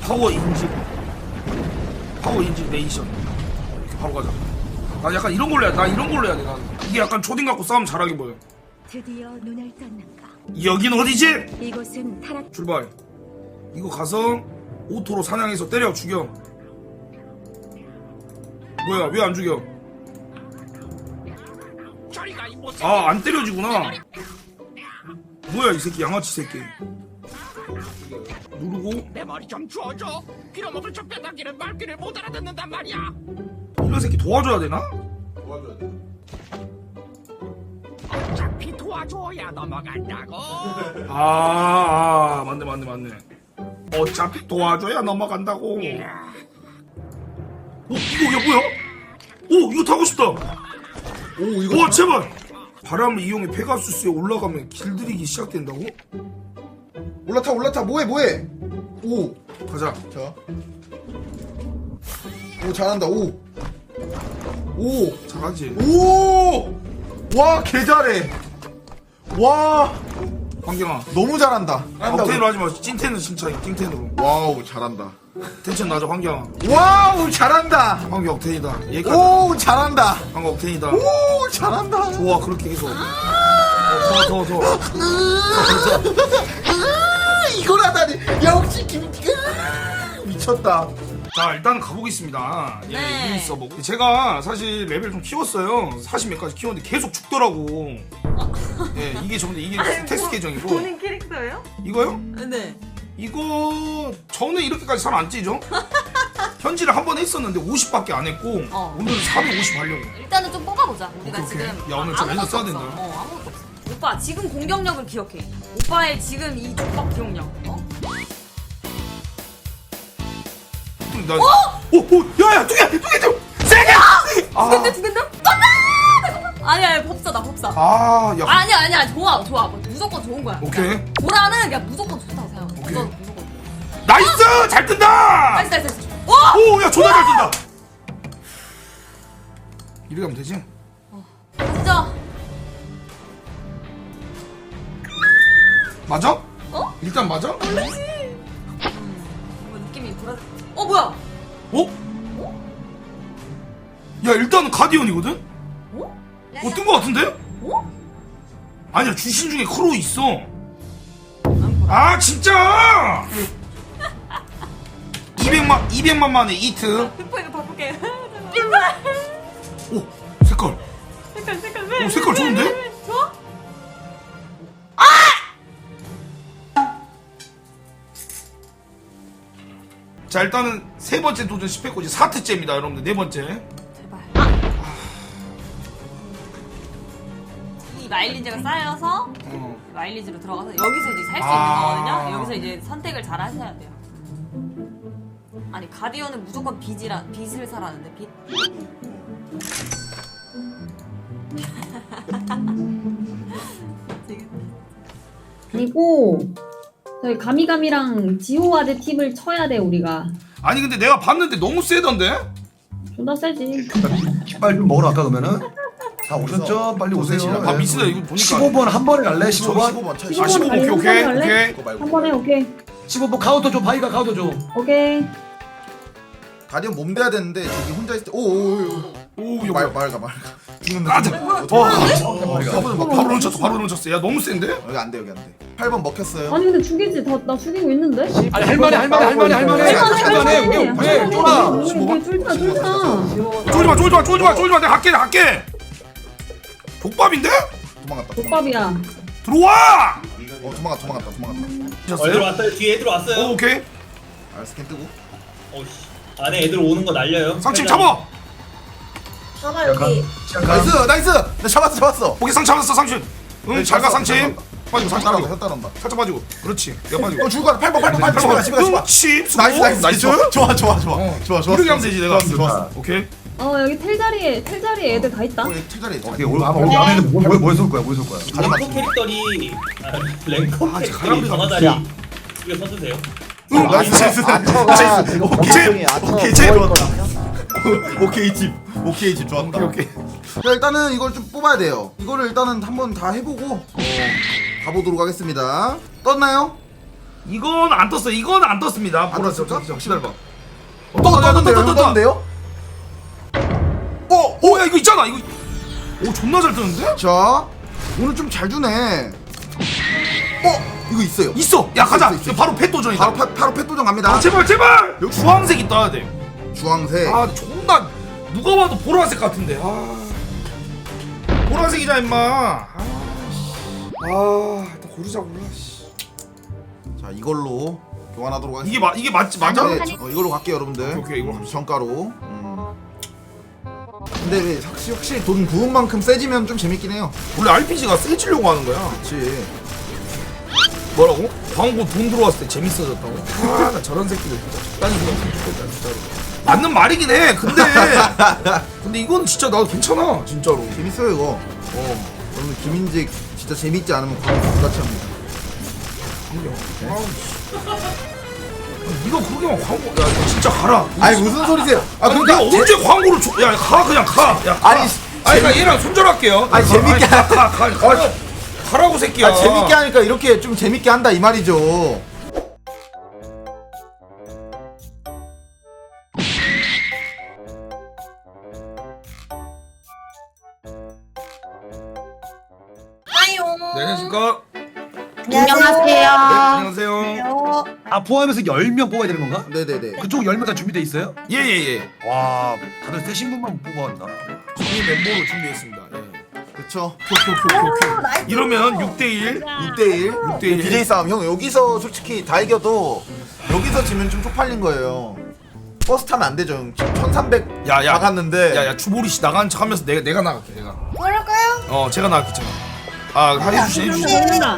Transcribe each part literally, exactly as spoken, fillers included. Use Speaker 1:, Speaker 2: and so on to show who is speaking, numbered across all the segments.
Speaker 1: 파워 인증 파워 인증 네이션 이렇게 바로 가자. 나 약간 이런 걸로 해야 나 이런 걸로 해야 돼. 난 이게 약간 초딩 갖고 싸움 잘하게 보여.
Speaker 2: 드디어 눈을 떴는가.
Speaker 1: 여긴 어디지?
Speaker 2: 이곳은 타락.
Speaker 1: 출발. 이거 가서 오토로 사냥해서 때려 죽여. 뭐야 왜 안 죽여? 아 안 때려지구나. 뭐야 이 새끼 양아치 새끼. 누르고
Speaker 3: 내 머리 좀 주워줘. 빌어먹을 저 뼈다귀는 말귀를 못 알아듣는단 말이야.
Speaker 1: 이런 새끼 도와줘야 되나?
Speaker 4: 도와줘야 돼.
Speaker 3: 어차피 도와줘야 넘어간다고.
Speaker 1: 아, 아 맞네 맞네 맞네. 어차피 도와줘야 넘어간다고. 오 이거 야 뭐야? 오 이거 타고 싶다.
Speaker 4: 오 이거
Speaker 1: 와 제발. 바람을 이용해 페가수스에 올라가면 길들이기 시작된다고?
Speaker 4: 올라타 올라타 뭐해 뭐해. 오.
Speaker 1: 가자.
Speaker 4: 자. 오 잘한다. 오. 오.
Speaker 1: 잘하지.
Speaker 4: 오. 와 개 잘해. 와
Speaker 1: 환경아.
Speaker 4: 너무 잘한다.
Speaker 1: 아, 억텐으로 하지 마. 찐텐은 진짜 찐텐으로.
Speaker 4: 와우 잘한다.
Speaker 1: 텐션 낮아 환경아.
Speaker 4: 와우 잘한다.
Speaker 1: 환경 억텐이다. 얘까지.
Speaker 4: 오 잘한다.
Speaker 1: 환경 억텐이다.
Speaker 4: 오 잘한다.
Speaker 1: 좋아 그렇게 계속. 어, 더 더 더.
Speaker 4: 이걸 하다니 역시 김치가 미쳤다.
Speaker 1: 자 일단 가보겠습니다. 예,
Speaker 5: 네.
Speaker 1: 이름 써보고. 제가 사실 레벨 좀 키웠어요. 사십 몇 가지 키웠는데 계속 죽더라고. 예, 이게 전데 이게 테스트 계정이고.
Speaker 5: 본인 캐릭터예요?
Speaker 1: 이거요?
Speaker 5: 네.
Speaker 1: 이거 저는 이렇게까지 살 안 찌죠? 현질을 한 번 했었는데 오십밖에 안 했고
Speaker 5: 어.
Speaker 1: 오늘은 사백오십 하려고.
Speaker 5: 일단은 좀 뽑아보자. 우리가
Speaker 1: 오케이, 오케이.
Speaker 5: 지금
Speaker 1: 야, 오늘
Speaker 5: 아,
Speaker 1: 좀
Speaker 5: 아무것도
Speaker 1: 애써 써야
Speaker 5: 없어.
Speaker 1: 된다.
Speaker 5: 어, 아무것도 없어. 오빠 지금 공격력을 기억해. 오빠의 지금 이 족박 기억력. 어?
Speaker 1: 나, 오, 오, 야야, 두 개, 두 개 좀, 세 개. 아,
Speaker 5: 두근데 두근데? 아니야, 아니야, 법사다 법사.
Speaker 1: 아, 야,
Speaker 5: 아니야, 아니야, 좋아, 좋아. 무조건 좋은 거야.
Speaker 1: 오케이.
Speaker 5: 보라는 그냥 무조건 좋다고 생각해.
Speaker 1: 오케이.
Speaker 5: 무조건, 무조건.
Speaker 1: 나이스, 잘 뜬다.
Speaker 5: 나이스, 나이스, 나이스. 와!
Speaker 1: 오, 야, 존나 잘 뜬다. 이렇게 하면 되지?
Speaker 5: 진짜.
Speaker 1: 맞아?
Speaker 5: 어?
Speaker 1: 일단 맞아?
Speaker 5: 모르지. 이거 느낌이 불안. 어 뭐야?
Speaker 1: 어? 야, 일단은 가디언이거든?
Speaker 5: 어?
Speaker 1: 어, 뜬 거 같은데?
Speaker 5: 어?
Speaker 1: 아니야, 주신 중에 크로우 있어.
Speaker 5: 안 보라.
Speaker 1: 아, 진짜! 이백만, 이백만 만에 이트.
Speaker 5: 흑포 이거 바꿀게.
Speaker 1: 오, 색깔.
Speaker 5: 색깔 색깔 왜?
Speaker 1: 오, 색깔 좋은데?
Speaker 5: 왜, 왜, 왜? 좋아?
Speaker 1: 자, 일단은 세 번째 도전 실패했고, 이제 사 트째입니다, 여러분들. 네 번째.
Speaker 5: 제발. 아! 이 마일리지가 쌓여서
Speaker 1: 어.
Speaker 5: 마일리지로 들어가서 여기서 이제 살 수
Speaker 1: 아.
Speaker 5: 있는 거거든요. 여기서 이제 선택을 잘 하셔야 돼요. 아니 가디언은 무조건 빚이라 빚을 사라는데 빚.
Speaker 6: 그리고 저희 가미가미랑 지호와드 팁을 쳐야 돼 우리가.
Speaker 1: 아니, 근데 내가 봤는데 너무 세던데?
Speaker 6: 존나 세지.
Speaker 7: 빨리 좀 먹으러 갈까 그러면은? 다 오셨죠? 빨리 오세요.
Speaker 1: 아, 미친다, 이거 보니까.
Speaker 7: 십오 번 한 번에 갈래? 십오 번?
Speaker 4: 십오 번 차.
Speaker 1: 아, 십오 번, 오케이, 오케이, 오케이.
Speaker 4: 그거 말고.
Speaker 6: 한 번에 오케이.
Speaker 7: 십오 번 카운터 줘. 바이가 카운터 줘.
Speaker 6: 오케이.
Speaker 4: 가디언 몸 대야 되는데 저기 혼자 있을 때 오오오
Speaker 1: 오,
Speaker 4: 말
Speaker 1: 이거
Speaker 4: 말가 말가.
Speaker 1: 아, 자, 와,
Speaker 4: 바로
Speaker 1: 바로 론쳤어, 바로 론쳤어. 야, 너무 센데?
Speaker 4: 여기 안 돼 여기 안 돼. 팔 번 먹혔어요.
Speaker 6: 아니 근데 죽이지. 다 나 죽이고 있는데.
Speaker 7: 아니 할만해 할만해 할만해 할만해. 할만해. 왜 왜? 쫄아.
Speaker 6: 왜 쫄다 쫄다.
Speaker 1: 쫄지 마, 쫄지 마, 쫄지 마, 쫄지 마. 내가 갈게, 내가 갈게. 족밥인데?
Speaker 4: 도망갔다. 도망갔다.
Speaker 6: 족밥이야.
Speaker 1: 들어와!
Speaker 4: 어 도망갔다 도망갔다 도망갔다.
Speaker 8: 어, 애들 왔어요. 뒤에 애들 왔어요.
Speaker 1: 오, 오케이.
Speaker 4: 알 스캔 뜨고.
Speaker 8: 어이씨. 안에 애들 오는 거 날려요.
Speaker 1: 상침 잡아!
Speaker 5: 봐봐 여기.
Speaker 4: 나이스 나이스. 나 잡았어 잡았어.
Speaker 1: 오케이, 상 잡았어, 상침. 응, 잘 가, 상침.
Speaker 4: 잘
Speaker 1: 빠지고, 상침
Speaker 4: 따라온다
Speaker 1: 빠지고.
Speaker 4: 혀 따라온다.
Speaker 1: 살짝 빠지고. 그렇지. 내가 빠지고.
Speaker 4: 어 죽을 거야. 팔 번 팔 번 팔 번 집에 가 집에 가 집에 가.
Speaker 1: 그렇지.
Speaker 4: 나이스 나이스 나이스. 좋아 좋아 좋아 좋아.
Speaker 1: 어.
Speaker 4: 좋아 좋아.
Speaker 1: 이렇게 하면 되지, 내가.
Speaker 4: 좋았어 좋았어.
Speaker 1: 오케이.
Speaker 6: 어 여기 텔 자리에 텔 자리에 애들 다 있다.
Speaker 4: 어 여기 칠자리.
Speaker 7: 오케이 오늘 아마 오늘 안에 뭐뭐뭘 쏠 거야? 뭘 쏠 거야?
Speaker 8: 랭커 캐릭터리 아, 랭커
Speaker 1: 아,
Speaker 8: 캐릭터리
Speaker 1: 가람비
Speaker 8: 전화자리 이거 써주세요.
Speaker 1: 응, 나이스, 나이스. 오케이, 오케이, 제일 좋았다.
Speaker 4: 오케이 집. 오케이 집 좋았다.
Speaker 1: 오케이, 오케이.
Speaker 4: 자 일단은 이걸 좀 뽑아야 돼요. 이거를 일단은 한번 다 해보고 어, 가보도록 하겠습니다. 떴나요?
Speaker 1: 이건 안 떴어. 이건 안 떴습니다.
Speaker 4: 안
Speaker 1: 보라색.
Speaker 4: 떴을까?
Speaker 1: 잠깐 기다려봐.
Speaker 4: 어, 떴는데요? 떴는데요?
Speaker 1: 어, 오, 야 이거 있잖아. 이거. 오, 존나 잘 뜨는데?
Speaker 4: 자, 오늘 좀 잘 주네. 어, 이거 있어요.
Speaker 1: 있어. 야 가자.
Speaker 4: 있어, 있어,
Speaker 1: 이거 바로 펫도전이다.
Speaker 4: 바로 파, 바로 펫도전 갑니다.
Speaker 1: 아 제발 제발. 여기 주황색이 떠야 돼.
Speaker 4: 주황색.
Speaker 1: 아 존나 누가 봐도 보라색 같은데. 아 보라색이잖아 임마. 아, 아 일단 고르자 골라. 씨.
Speaker 4: 자, 이걸로 교환하도록 하겠습니다.
Speaker 1: 이게 맞 이게 맞지 맞아?
Speaker 4: 네, 저- 어, 이걸로 갈게요, 여러분들.
Speaker 1: 오케이, 오케이, 이걸로 갑시다.
Speaker 4: 정가로. 음. 근데 왜 확실히, 확실히 돈 부은 만큼 세지면 좀 재밌긴 해요.
Speaker 1: 원래 알피지가 세지려고 하는 거야.
Speaker 4: 그렇지.
Speaker 1: 뭐라고? 광고 돈 들어왔을 때 재밌어졌다고? 아 나 저런 새끼들 진짜 적당히 생각하면 좋겠다 진짜로. 맞는 말이긴 해. 근데 근데 이건 진짜 나도 괜찮아 진짜로.
Speaker 4: 재밌어요, 이거. 어. 여러분, 김인직 진짜 재밌지 않으면 광고 똑같이 합니다.
Speaker 1: 아우, 씨. 아니, 네가 그러게만 광고 야 이거 진짜 가라.
Speaker 4: 아니, 무슨 소리세요? 아,
Speaker 1: 아니
Speaker 4: 그러니까.
Speaker 1: 내가 언제 광고를 줘? 야 가 그냥 가. 야 가.
Speaker 4: 아니,
Speaker 1: 아니 나 얘랑 손절할게요.
Speaker 4: 아니, 재밌게
Speaker 1: 가, 가, 가, 가. 가라고 새끼야.
Speaker 4: 아, 재밌게 하니까 이렇게 좀 재밌게 한다 이 말이죠.
Speaker 1: 네, 안녕하십니까?
Speaker 4: 네,
Speaker 9: 안녕하세요.
Speaker 1: 네, 안녕하세요.
Speaker 7: 아 포함해서 열 명 뽑아야 되는 건가?
Speaker 4: 네네네.
Speaker 7: 그쪽 열 명 다 준비돼 있어요?
Speaker 1: 예예예.
Speaker 7: 와 다들 세신 분만 뽑아왔나?
Speaker 1: 저희 멤버로 준비했습니다. 예.
Speaker 4: 그쵸.
Speaker 1: 이러면 육 대 일.
Speaker 4: 육 대 일.
Speaker 1: 육 대 일.
Speaker 4: 비제이 싸움. 형, 여기서 솔직히 다 이겨도 여기서 지면 좀 쪽팔린 거예요. 버스 타면 안 되죠, 형. 지금 천삼백
Speaker 1: 야, 야.
Speaker 4: 나갔는데.
Speaker 1: 야야 주보리 씨 나가는 척하면서 내가 내가 나갈게 내가.
Speaker 9: 그럴까요?
Speaker 1: 어 제가 나갈게 제가. 아 해주시 해주시.
Speaker 6: 먹는다.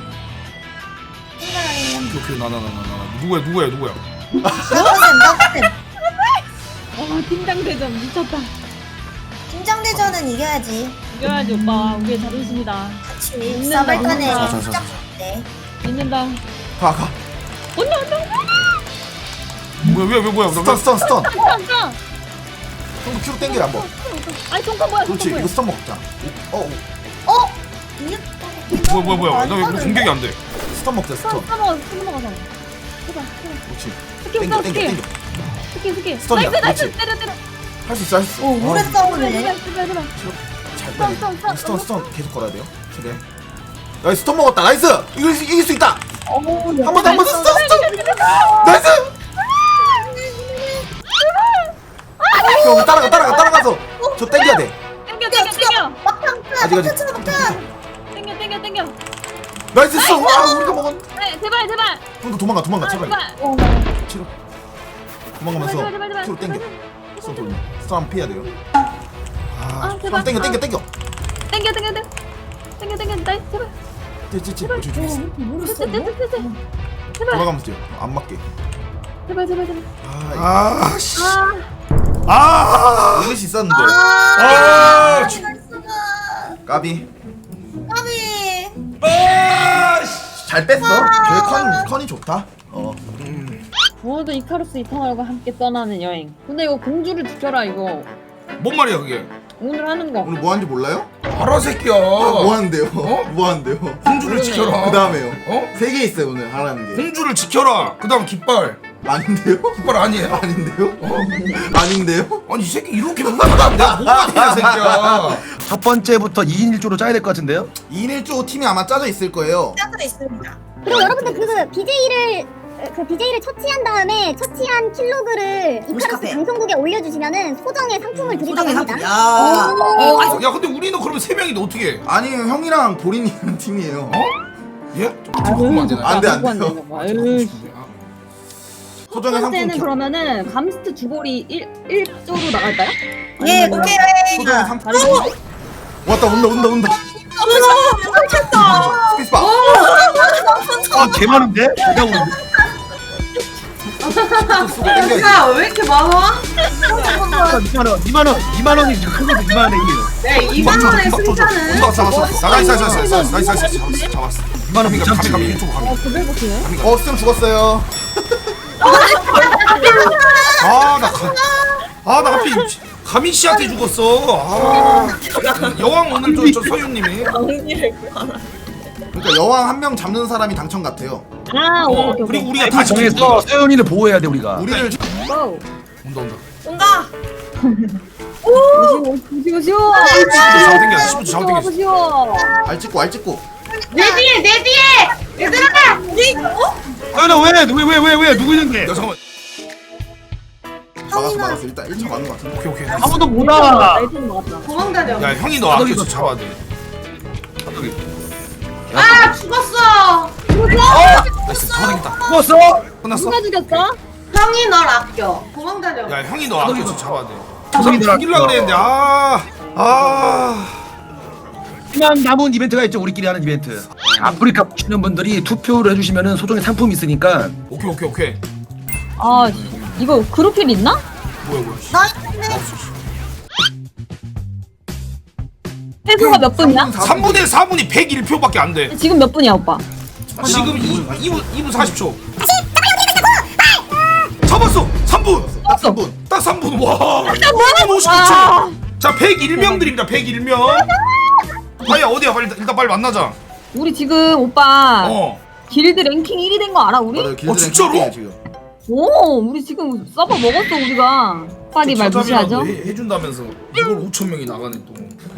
Speaker 1: 오케이 오케이 나나 나 나 나. 누구야 누구야 누구야.
Speaker 9: 나가셈 나가셈.
Speaker 6: 와 팀장대전 미쳤다.
Speaker 9: 긴장대전은 이겨야지.
Speaker 6: 이겨야지 오빠. 우리의 자존심이다.
Speaker 9: 같이
Speaker 6: 있는다,
Speaker 9: 싸발간에
Speaker 6: 있는다.
Speaker 9: 시작 때.
Speaker 6: 믿는다.
Speaker 4: 가, 가.
Speaker 6: 언니 언니.
Speaker 1: 뭐야 왜 왜 뭐야.
Speaker 4: 스턴, 스턴, 스턴.
Speaker 6: 깜짝.
Speaker 4: 형, 큐로 땡겨, 한번.
Speaker 6: 아니 종카 뭐야?
Speaker 4: 그렇지,
Speaker 6: 종카
Speaker 4: 이거
Speaker 6: 뭐야?
Speaker 4: 스턴 먹자. 어, 어.
Speaker 9: 어? 이겼다.
Speaker 1: 뭐야 뭐야 뭐야. 나 왜 공격이 안 돼?
Speaker 4: 스턴 먹자, 스턴.
Speaker 6: 스턴 먹어. 스턴 먹어서. 해봐. 해봐.
Speaker 4: 그렇지.
Speaker 6: 스킬
Speaker 4: 땡겨,
Speaker 6: 써
Speaker 4: 땡겨,
Speaker 6: 스킬.
Speaker 4: 땡겨.
Speaker 6: 스킬 스킬.
Speaker 4: 스턴이야,
Speaker 6: 나이스 나이스.
Speaker 4: 그렇지.
Speaker 6: 때려 때려.
Speaker 4: 할 수 있어, 할 수 있어.
Speaker 9: 오, 오래
Speaker 4: 어,
Speaker 9: 싸우네.
Speaker 6: 제발 제발 제발.
Speaker 4: 잘
Speaker 6: 스턴,
Speaker 4: 빼야
Speaker 6: 스턴,
Speaker 4: 돼.
Speaker 6: 스턴.
Speaker 4: 스턴, 스턴 계속 걸어야 돼요. 최대. 나이스, 스턴 먹었다. 나이스! 이길 수, 이길 수 있다! 한 번 더, 한 번 더, 스턴, 스턴! 나이스! 형, 따라가, 따라가, 따라가서 저 땡겨야 돼.
Speaker 6: 땡겨 땡겨 땡겨.
Speaker 9: 막판
Speaker 4: 아직, 아직.
Speaker 9: 막판 막판.
Speaker 6: 땡겨 땡겨 땡겨.
Speaker 4: 나이스, 스턴! 와, 우리가 먹었.
Speaker 6: 네 제발 제발.
Speaker 4: 형도 도망가, 도망가,
Speaker 6: 아,
Speaker 4: 제발.
Speaker 6: 제발.
Speaker 9: 어,
Speaker 4: 치료. 도망가면서
Speaker 6: 제발, 제발, 제발,
Speaker 4: 큐로 땡겨.
Speaker 6: 제발.
Speaker 4: 스턴 돌려. 스턴 한번 피해야 돼요.
Speaker 6: 아
Speaker 4: 형,
Speaker 6: 제발.
Speaker 4: 땡겨, 땡겨, 땡겨.
Speaker 6: 땡겨 땡겨 땡겨. 땡겨 땡겨 나이스 제발.
Speaker 4: 찌, 찌, 찌. 찌, 찌.
Speaker 9: 모르겠어.
Speaker 6: 됐어 됐어 됐어. 제발
Speaker 4: 돌아가면서 뛰어. 안 맞게.
Speaker 6: 제발 제발 제발.
Speaker 4: 아,
Speaker 1: 아 씨.
Speaker 6: 아.
Speaker 1: 아.
Speaker 4: 이길 수 있었는데.
Speaker 1: 아. 씨.
Speaker 4: 까비.
Speaker 9: 까비.
Speaker 1: 아. 씨.
Speaker 4: 잘 뺐어. 저의 컨, 컨이 좋다. 어.
Speaker 6: 부어도 이카루스 이터널과 함께 떠나는 여행. 근데 이거 공주를 지켜라 이거.
Speaker 1: 뭔 말이야 그게?
Speaker 6: 오늘 하는 거.
Speaker 4: 오늘 뭐 하는지 몰라요?
Speaker 1: 알아 새끼야.
Speaker 4: 뭐 하는데요?
Speaker 1: 어?
Speaker 4: 뭐 하는데요?
Speaker 1: 공주를 지켜라.
Speaker 4: 그 다음에요.
Speaker 1: 어?
Speaker 4: 세 개 있어요 오늘 하라는 게.
Speaker 1: 공주를 지켜라. 그다음 깃발.
Speaker 4: 아닌데요?
Speaker 1: 깃발 아니에요?
Speaker 4: 아닌데요? 아닌데요?
Speaker 1: 아니 이 새끼 이렇게 못하면 내가 뭐가 되냐 새끼야.
Speaker 7: 첫 번째부터 이 인 일 조로 짜야 될 것 같은데요?
Speaker 4: 이 인 일 조 팀이 아마 짜져 있을 거예요.
Speaker 9: 짜져 있습니다.
Speaker 10: 그리고 여러분들 그 비제이를 그 비제이를 처치한 다음에 처치한 킬로그를 이카루스
Speaker 9: 카페.
Speaker 10: 방송국에 올려주시면은 소정의 상품을 드린다고 합니다.
Speaker 9: 야.
Speaker 1: 어, 야 근데 우리는 그러면 세 명인데 어떻게 해?
Speaker 4: 아니 형이랑 보린이라는 팀이에요.
Speaker 1: 어? 예? 좀 바꾸면 안 되나?
Speaker 4: 안 돼, 안
Speaker 6: 안
Speaker 4: 돼요.
Speaker 6: 되는 거야. 에이.
Speaker 4: 소정의
Speaker 6: 첫
Speaker 4: 상품
Speaker 6: 번째는
Speaker 4: 키-
Speaker 6: 그러면은 감스트 주보리 일 조로 나갈까요?
Speaker 9: 예,
Speaker 6: 아니면
Speaker 9: 오케이.
Speaker 4: 소정의 상품.
Speaker 6: 다른 거?
Speaker 4: 왔다 온다 온다 온다.
Speaker 9: 어머, 깜짝다.
Speaker 4: 스페이스바.
Speaker 7: 아 개많은데? 내가 오는데?
Speaker 4: 땡겨.
Speaker 9: 왜 이렇게 많아?
Speaker 7: 이만 원, 이만 원, 이만 원이 큰 거죠. 이만 원에 이게요.
Speaker 9: 네, 이만 원의 승자는
Speaker 1: 잡았어 잡았어. 나이스 나이스 나이스 나이스 나이스 나이스 잡았어 잡았어.
Speaker 7: 이만 원
Speaker 1: 가미
Speaker 7: 못
Speaker 1: 가미
Speaker 7: 참지.
Speaker 1: 가미 이쪽 가미.
Speaker 6: 어, 구별복이네.
Speaker 4: 어 쌤 죽었어요.
Speaker 1: 아나 가. 아나 하필 가미 씨한테 죽었어. 아 여왕 오늘 저, 저 서윤님이.
Speaker 4: 그러니까 여왕 한 명 잡는 사람이 당첨 같아요.
Speaker 6: 아
Speaker 1: 어,
Speaker 6: 오케이 오케이
Speaker 1: 그리고
Speaker 6: 오케이.
Speaker 1: 우리가 다 지켜서
Speaker 7: 정해서 서연이를 보호해야 돼 우리가.
Speaker 4: 우리를
Speaker 6: 고!
Speaker 1: 온다 온다.
Speaker 9: 온다.
Speaker 6: 오시오 오시오 오시오.
Speaker 1: 잘 생겼어. 십오 초 잘 생겼어.
Speaker 6: 오시오.
Speaker 4: 알 찍고 알 찍고.
Speaker 9: 내 뒤에 내 뒤에 얘들아. 니 어?
Speaker 7: 서연아 왜왜왜 왜 왜 누구 있는데?
Speaker 1: 야 잠깐만.
Speaker 4: 막았어 막았어. 일단 일 차 맞는 거 같은데.
Speaker 1: 오케이 오케이.
Speaker 7: 아무도 못 알아.
Speaker 6: 나이트는 먹었다.
Speaker 9: 도망다녀.
Speaker 1: 야 형이 너 아껴서 잡아야 돼.
Speaker 9: 아 죽었어.
Speaker 1: 나이스 잡아당겼다.
Speaker 7: 죽었어?
Speaker 1: 끝났어?
Speaker 6: 누가 죽였어?
Speaker 9: 형이 널 아껴. 도망다녀.
Speaker 1: 야 형이 너 아껴서 잡아야 돼.
Speaker 7: 형이 너
Speaker 1: 죽이려고
Speaker 7: 아껴.
Speaker 1: 그랬는데 아. 아.
Speaker 7: 희망 남은 이벤트가 있죠. 우리끼리 하는 이벤트. 아프리카 보시는 분들이 투표를 해주시면은 소정의 상품이 있으니까.
Speaker 1: 오케이 오케이 오케이.
Speaker 6: 아 이거 그룹필 있나?
Speaker 1: 뭐야 뭐야. 씨.
Speaker 9: 나
Speaker 6: 회수가 몇 분이야?
Speaker 1: 삼분의 사분이 백일 표밖에 안 돼.
Speaker 6: 지금 몇 분이야 오빠?
Speaker 1: 지금 이 분 이 분 사십 초. 잡았어. 삼 분.
Speaker 4: 딱 삼 분.
Speaker 1: 딱 삼 분. 와. 오십구 초.
Speaker 6: 와.
Speaker 1: 자, 백일 명 드립니다. 백일 명. 파이야 어디야? 빨리 일단 빨리 만나자.
Speaker 6: 우리 지금 오빠
Speaker 1: 어.
Speaker 6: 길드 랭킹 일 위 된 거 알아 우리?
Speaker 4: 맞아요. 길드
Speaker 1: 어, 진짜로?
Speaker 4: 랭킹이에요, 지금.
Speaker 6: 오 우리 지금 서버 먹었어 우리가. 빨리 말 무시하죠?
Speaker 1: 해, 해준다면서 이걸 오천 명이 나가네 또.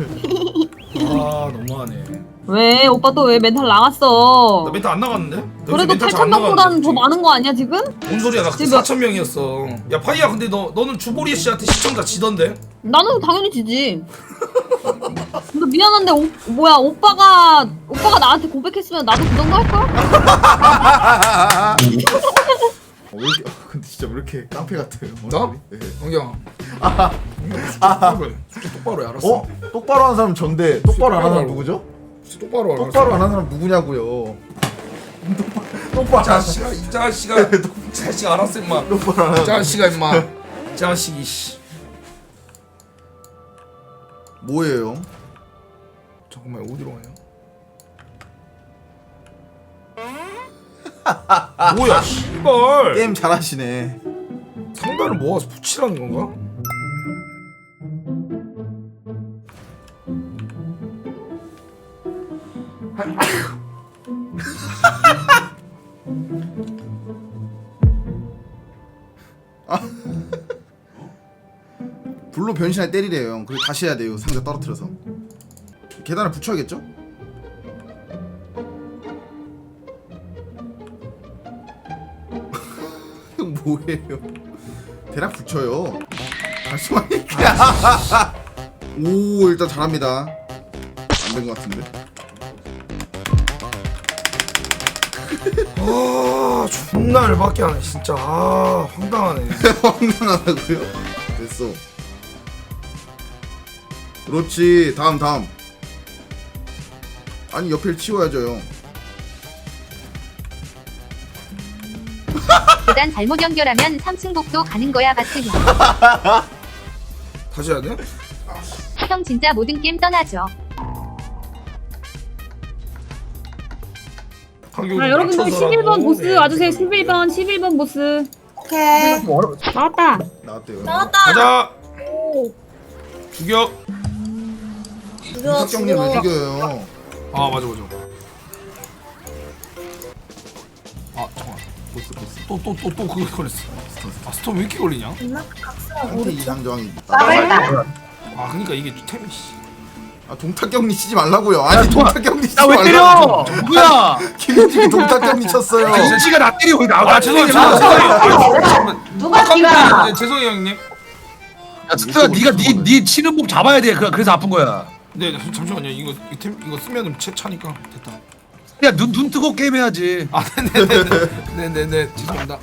Speaker 1: 아 너무하네.
Speaker 6: 왜 오빠 또 왜 멘탈 나갔어?
Speaker 1: 나 멘탈 안 나갔는데?
Speaker 6: 그래도 팔천 명보다는 더 많은 거 아니야 지금?
Speaker 1: 뭔 소리야? 나 그때
Speaker 6: 지금-
Speaker 1: 사천 명이었어. 야 파이야 근데 너 너는 주보리 씨한테 시청자 지던데?
Speaker 6: 나는 당연히 지지. 근데 미안한데 오, 뭐야 오빠가 오빠가 나한테 고백했으면 나도 그 정도 할 걸?
Speaker 4: 어, 왜 이렇게, 어, 근데 진짜 왜 이렇게 깡패 같아요?
Speaker 1: 나?
Speaker 4: 네.
Speaker 1: 영경아. 아. 똑바로 해 알았어.
Speaker 4: 어? 똑바로 하는 사람 전데 똑바로 안 하는 사람 누구죠?
Speaker 1: 똑바로 해.
Speaker 4: 똑바로 안 하는 사람 누구냐고요? 똑바로 안 하는
Speaker 1: 자식아 이 자식아 이 자식 알았어 임마.
Speaker 4: 똑바로 안
Speaker 1: 이
Speaker 4: 하는
Speaker 1: 자식아 임마. 자식이 씨.
Speaker 4: 뭐예요?
Speaker 1: 잠깐만 어디로 가냐? 뭐야 씨발.
Speaker 4: 게임 잘하시네.
Speaker 1: 상단을 모아서 붙이라는 건가?
Speaker 4: 불로 변신할 때리래요 형. 그리고 다시 해야 돼요. 상자 떨어뜨려서. 계단을 붙여야겠죠? 형 뭐예요? 대략 붙여요. 발송하니까. 오 일단 잘합니다. 안 된 것 같은데.
Speaker 1: 아 존나 열받게 하네 진짜. 아 황당하네.
Speaker 4: 황당하다고요? 됐어. 그렇지. 다음 다음. 아니 옆을 치워야죠 형.
Speaker 2: 계단 잘못 연결하면 삼 층 복도 가는 거야 바트 형.
Speaker 1: 다시 해야 돼?
Speaker 2: 형 진짜 모든 게임 떠나죠.
Speaker 6: 아, 여러분들 십일 번 보스 와주세요. 십일 번 십일 번 보스
Speaker 9: 오케이.
Speaker 6: 나왔다.
Speaker 4: 나왔대요.
Speaker 9: 나왔다.
Speaker 1: 가자. 죽여.
Speaker 4: 윤탁경님 왜 죽여요?
Speaker 1: 아 맞아 맞아. 아 잠깐.
Speaker 4: 보스 보스.
Speaker 1: 또 또 또 또 그거 걸렸어. 아 스톰 왜 이렇게 걸리냐?
Speaker 4: 상태 이상 저항이 있다.
Speaker 9: 나발다.
Speaker 1: 아 그러니까 이게 템이 씨.
Speaker 4: 아 동탁경리 치지 말라고요. 아니 동탁경리 치지
Speaker 7: 나 왜 때려?
Speaker 4: 말라고.
Speaker 7: 누구야?
Speaker 4: 김현진이 동탁경리 쳤어요.
Speaker 7: 아니 인지가 나 때리고 나
Speaker 1: 아
Speaker 7: 나
Speaker 1: 죄송해요
Speaker 7: 때리지 마.
Speaker 1: 죄송해요.
Speaker 9: 누가 뛰라.
Speaker 1: 네, 죄송해요 형님.
Speaker 7: 야 스트야 네가 네네 치는 법 잡아야 돼. 그- 그래서 아픈 거야.
Speaker 1: 네 잠시만요. 이거 이템 이거 쓰면은 채 차니까 됐다.
Speaker 7: 야 눈 눈 뜨고 게임 해야지.
Speaker 1: 아 네네네 네네네 죄송합니다.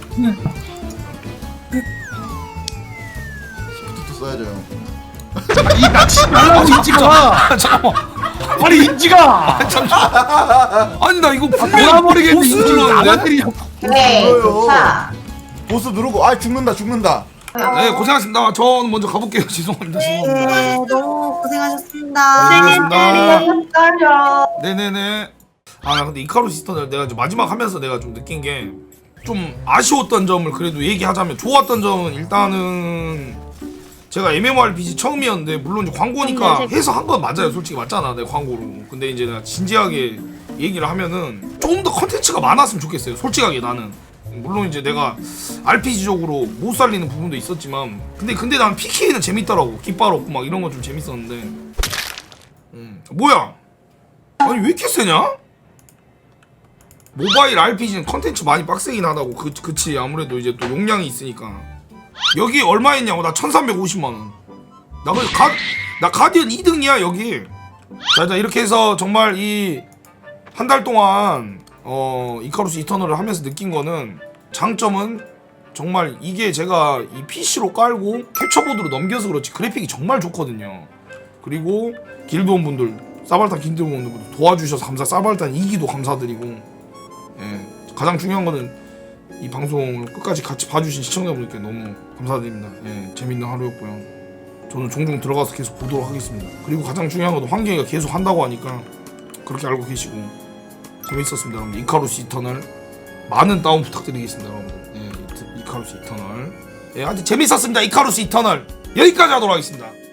Speaker 4: 시프트 써야죠 형.
Speaker 7: 이 낚시 말라고 인지가.
Speaker 1: 아 잠깐만.
Speaker 7: 아니 인지가.
Speaker 1: 아니 나 이거 분명히
Speaker 7: 돌아버리겠네.
Speaker 1: 보스
Speaker 7: 인지
Speaker 1: 눌렀는데?
Speaker 7: 나만 때리냐고.
Speaker 9: 네.
Speaker 4: 뭐예요?
Speaker 9: 자.
Speaker 4: 보스 누르고 아 죽는다 죽는다.
Speaker 1: 네 고생하셨습니다. 저는 먼저 가볼게요. 죄송합니다. 죄송합니다.
Speaker 9: 네, 너무 고생하셨습니다.
Speaker 1: 고생하셨습니다.
Speaker 9: 떨려.
Speaker 1: 네네네. 아 나 근데 이카루스 시스턴을 내가 이제 마지막 하면서 내가 좀 느낀 게 좀 아쉬웠던 점을 그래도 얘기하자면 좋았던 점은 일단은 제가 엠엠오알피지 처음이었는데 물론 이제 광고니까 해서 한 건 맞아요. 솔직히 맞잖아 내 광고로. 근데 이제 내가 진지하게 얘기를 하면은 좀 더 컨텐츠가 많았으면 좋겠어요. 솔직하게 나는. 물론 이제 내가 알피지적으로 못 살리는 부분도 있었지만 근데 근데 난 피케이는 재밌더라고. 깃발 없고 막 이런 거 좀 재밌었는데. 음. 뭐야? 아니 왜 이렇게 세냐? 모바일 알피지는 컨텐츠 많이 빡세긴 하다고. 그, 그치 아무래도 이제 또 용량이 있으니까. 여기 얼마 했냐고. 나 천삼백오십만 원. 나 그 가, 나 가디언 이 등이야 여기. 자 일단 이렇게 해서 정말 이 한 달 동안 어 이카루스 이터널을 하면서 느낀 거는 장점은 정말 이게 제가 이 피시로 깔고 캡처보드로 넘겨서 그렇지 그래픽이 정말 좋거든요. 그리고 길드원 분들 사발탄 길드원 분들 도와주셔서 감사. 사발탄 이 기도 감사드리고 예, 가장 중요한 거는 이 방송을 끝까지 같이 봐주신 시청자분들께 너무 감사드립니다. 예, 재밌는 하루였고요. 저는 종종 들어가서 계속 보도록 하겠습니다. 그리고 가장 중요한 건 환경이가 계속 한다고 하니까 그렇게 알고 계시고 재밌었습니다. 여러분들 이카루스 이터널 많은 다운 부탁드리겠습니다. 여러분들 예, 이카루스 이터널 예, 아주 재밌었습니다. 이카루스 이터널 여기까지 하도록 하겠습니다.